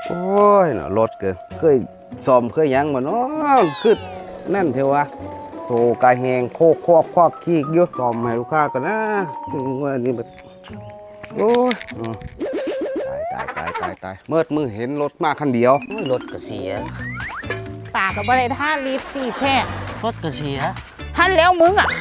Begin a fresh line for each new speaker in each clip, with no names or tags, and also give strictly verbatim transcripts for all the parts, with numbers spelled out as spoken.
โอ้ยเนาะรถเกินเคยซ่อมเคยยังมาเนาะคือนั่นเทวะโซกาแหงโคกคอกคอกขี้อยู่ซ่อมให้ลูกค้ากันนะนี่ว่านี่แบบโอ้ยตายตายตายตายตายเมื่อมือเห็นรถมาคันเดียว
รถก็เสีย
ตากับอะไรท่ารีบสี่แค่
รถก็เสีย
ท่านแล้วมึงอ่ะ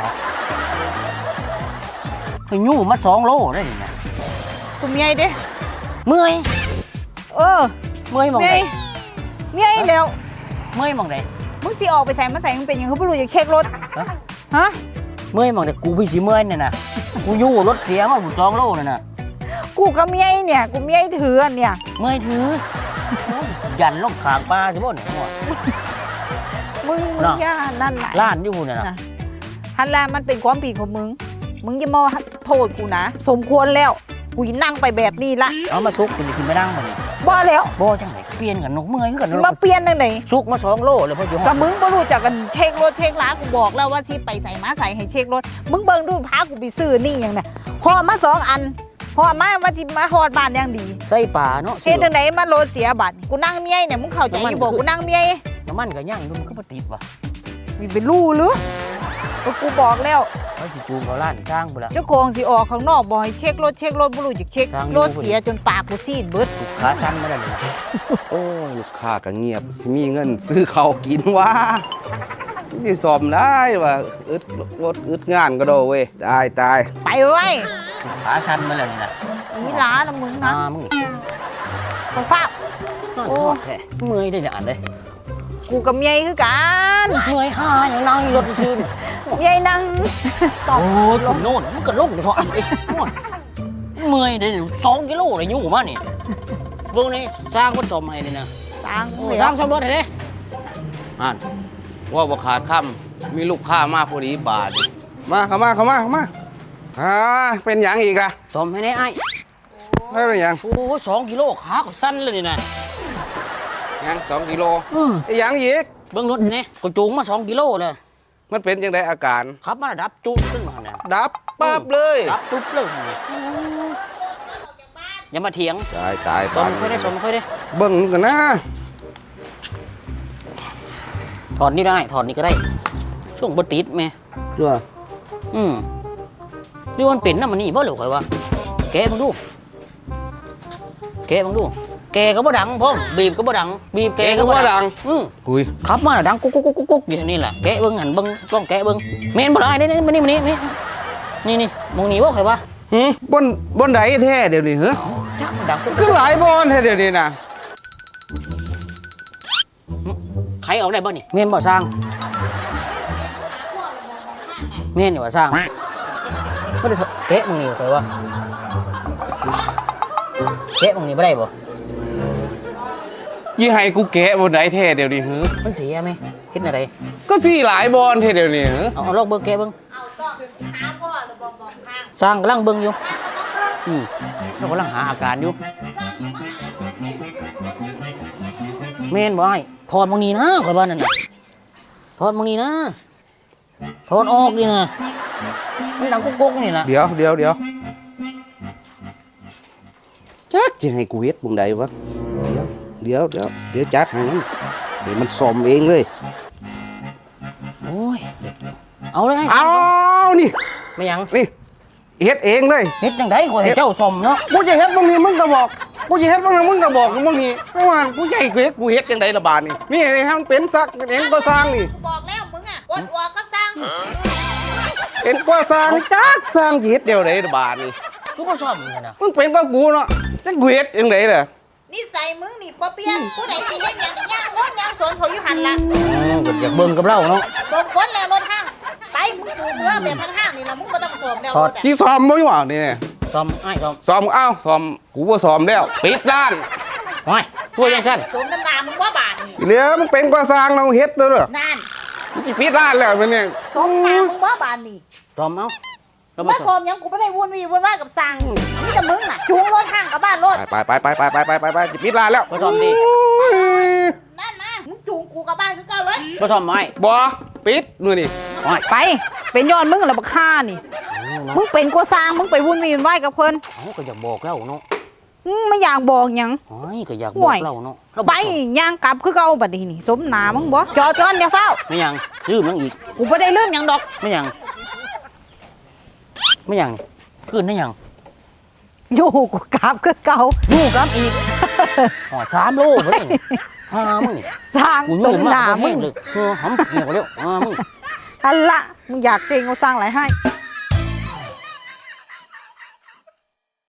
ไปยู่มาสองโลได้ยังไง
กูเมียเด้
เมื่อย
เออ
เมื่อยมองไหน
เมียแล้ว
เมื่อยมองไหน
มึงสิออกไปใส่มาใส่มึงเป็นยังเขาไม่รู้อยากเช็ครถฮะ
เมื่อยมองไหนกูพี่สิเมื่อยเนี่ยนะกูยู่รถเสียมาบุสองโลเนี่ยนะ
กูก็เมียเนี่ยกูเมียถือเนี่ย
เมื่อยถือยันลงขางปลาสิบ่เนี่ย
มึงมึงย่านั่นแหละ
ล้านอยู่เนี่ยนะ
ฮันแลมันเป็นความผิดของมึงมึงอย่ามาโทษกูนะสมควรแล้วกูนั่งไปแบบนี้ละ
เอามาซุกกูจะกินไม่นั่งมาดิ
บ่แล้ว
บ่จังไหนเปลี่ยนกันนกเมื่อยกัน
มาเปลี่ยนนั่นไหน
ซุกมาสองโลเลยพ่อจุ๋ม
กับมึงบ่รู้จักกันเช็ครถเช็คล้ากูบอกแล้วว่าที่ไปใส่มาใส่ให้เช็ครถมึงเบิ่งดูพากูไปซื้อนี่อย่างน่ะพอมาสองอันพอมาว่าจิมาฮอดบ้านอย่างดี
ใส่ป่าเนาะ
เฮ็ดจังได๋มาโลเสียบัตรกูนั่งเมียเนี่ยมึงเข้าใจอยู่บ่กูนั่งเมีย
น้ำมันก็ย่างดูมันก็บ่ติดว่ะ
มีเป็นรูหรือกูบอกแล้ว
ว่าสิจูงเขาล้านช่างพุ่นล่ะ
เจ้าของสิออกข้างนอกบ่ให้เช็ครถเช็ครถบ่รู้จักเช็ครถเสียจนปากกูซีดเบิด
ขาสั่นมาแล้วนี่
โอ้ยลูกค้าก็เงียบสิมีเงินซื้อข้าวกินวะนี่ซ่อมได้ว่าอึดรถอึดงานก็โดเว้ยได้ตาย
ไปไว้
ขาสั่นมาแล้วนี่นะ
นี่ล้านะมึงนะ
มึง
นี่ฟ้า
โอ้แท้เมื่อยได้เนี่ยอ่านเลย
กูกับเมียคือกัน
เมื่อยห่าอย่างนั่งรถซื่อ
เมียนั่ง
โอ้ยขึ้นโน่นมันก็ลงเดี๋ยวทอดไอ้เมื่อยได้สองกิโลเลยยุ่งมากนี่เบื้องนี้สร้างวัดสมให้เลยนะ
สร้าง
สร้างสมรสให้เลย
อ่านว่าบ่ขาดคำมีลูกค้ามาพอดีบาทมาเข้ามาเข้ามาเข้ามาอ่าเป็นอย่างอีกอะ
สมให้ได้ไอ้
ไม่เป็นอย่าง
โอ้สองกิโลขาก็สั้นเลยนี่นะ
ยังสองกิโลไอ้ยังอีก
เบื้องรถนี่ก็จูงมาสองกิโลเลย
มันเป็นยังไงอาการ
ขับมาดับจุ๊บขึ้นมาเนี่ย
ดับปั๊บเลย
ดับจุ๊บเลยอย่ามาเถียง
ตายตาย
สมค่อยได้สมค่อยได้
เบิ้งนี่กันนะ
ถอดนี่ได้ถอดนี่ก็ได้ช่วงบติดไหม
เชื่อ
อืมนี่มันเป็นน้ำมันนี่บ่เหลือใครวะแกบังดูแกบังดูแกก็บ่ดังพ่อบีบก็บ่ดังบีบแกก็บ่ดังอือ
คุย
ขับมาดังกุ๊กกุ๊กกุ๊กกุ๊กอย่างนี้แหละแกเบิ้งหันเบิ้งกล้องแกเบิ้งเมนบ่ได้นี่นี่นี่นี่นี่นี่มองนี่บ่ใครวะ
หืมบนบนไหนแท้เดี๋ยวนี้เหรอ
จักดัง
ก็หลายบอนแท้เดี๋ยวนี้นะ
ใครเอาได้บ่นี่เมนบ่สร้างเมนนี่บ่สร้างไม่ได้แกะมองนี่ใครวะแกะมองนี่บ่ได้บ่
ยี่ให้กูแกะบนไหนแท้เดี๋ยวนี้เหรอ
มันเสียไหมคิดอะไร
ก็สี่หลายบอลแท้เดี๋ยวนี้เหรอ
เอาเอาลอกเบิ้งแกะเบิ้งสร้างกำลังเบิ้งอยู่อืมเรากำลังหาอาการอยู่เมนบ่ไอ้ถอดมองนี่นะข่อยบ้านนั่นน่ะถอดมองนี่นะถอดออกดินะมันดังกุ๊กๆนี่ล่ะ
เดี๋ยวเดี๋ยวเดี๋ยวจักจะให้กูเฮ็ดบนไหนวะเดี๋ยวเดี๋ยวเดี๋ยวจัดให้มันเดี๋ยวมันซ่อมเองเลย
โอ้ยเอาเลย
เอานี่
ไม่ยัง
นี่เฮ็ดเองเลย
เฮ็ดจังได๋ข่อยให้เจ้าซ่อมเนาะ
กูจะเฮ็ดบางนี้มึงก็บอกกูจะเฮ็ดบางนี้มึงก็บอกบางนี้เพราะว่ากูใหญ่กูเฮ็ดกูเฮ็ดจังได๋ละบาดนี่นี่ให้มันเป็นซักเองก็สร้างนี่
กูบอกแล้วมึงอ่ะอดออกกับสร้าง
เป็นกว่าสร้างจักสร้างเฮ็ดเดียวไดละบาดนี่
กูบ่ซ่อมนี่นะ
มึงเป็นก็กูเนาะจักกูเฮ็ดจังได๋ล่ะ
นิสัยมึงนี่บ่เปลี่ยนผู้ใดสิเฮ็ดหยังย่างรถย่างสวนเขาอยู่หั่นล่ะ
อ๋อก็อยากเบิ่งกับเราเนาะ
สมควรแล้วรถห้างไปมึงดูเบื่อแบบห้างๆนี่ล่ะมึงบ่ต้องซ่อมแล้วรถอ่ะ
ที่ซ่อมบ่อยู่อ่ะนี่
ซ่อมอ้ายซ่อม
ซ่อมเอ้าซ่อมกูบ่ซ่อมแล้วปิดร้าน
โอ้ยตัวจังซั่น
สมน้ำตามึงว่าบาดนี่
เหลือมึงเป็นกว่าสร้างเราเฮ็ดเด้อ
นั่น
มึงสิปิดร้านแล้วมันเนี่ย
สมตามึงว่าบาดนี่
ซ่อมเอ้า
มาซ่อมยังกูไม่ได้วนวีวนว่ากับสร้างนี่แต่มึงน่ะจูงรถห้างกับบ้านรถ
ไปไปไปไปไปไปไปไปจะปิดร้านแล้ว
บ่ซ่อมดิ
นั่นมามึงจูงกูกับบ้านคือเก่าเลย
บ่ซ่อมไม้
บ่ปิดนู่นนี่
ไปเป็นย้อนมึงละบักฆ่านี่มึงเป็นกว่าสร้างมึงไปวนวีวนว่ากับเพิ่น
เอ้าก็อยากบอกแล้วเนาะ
อืมไม่อยากบอกหยัง
โอ้ยก็อยาก
ห่
บอ
ว
ก
ย
เราเนาะเรา
ไปย่างกลับคือเก่าบัดนี้นี่สมหนามึงบ่จอดก่อนอย่าเฝ้า
ไม่ยังลืมนังอีก
กูบ่ได้ลืมหยังดอก
ไม่ยังไม่ยังคืนได้ยัง
อยู่กูกลับคือเก่า
ดูครับอีกอ๋อสามโลเฮ้ยฮ่ามึงนี่
สร้าง
กู
ส
ยื
ม
น
ห
มาก
นา
บ่
มึ
แห้
ง
งเลยเออหำเหี่ยวแล้วอ่ามึง
อันละมึงอยากเจงเอาสร้างอะไรให้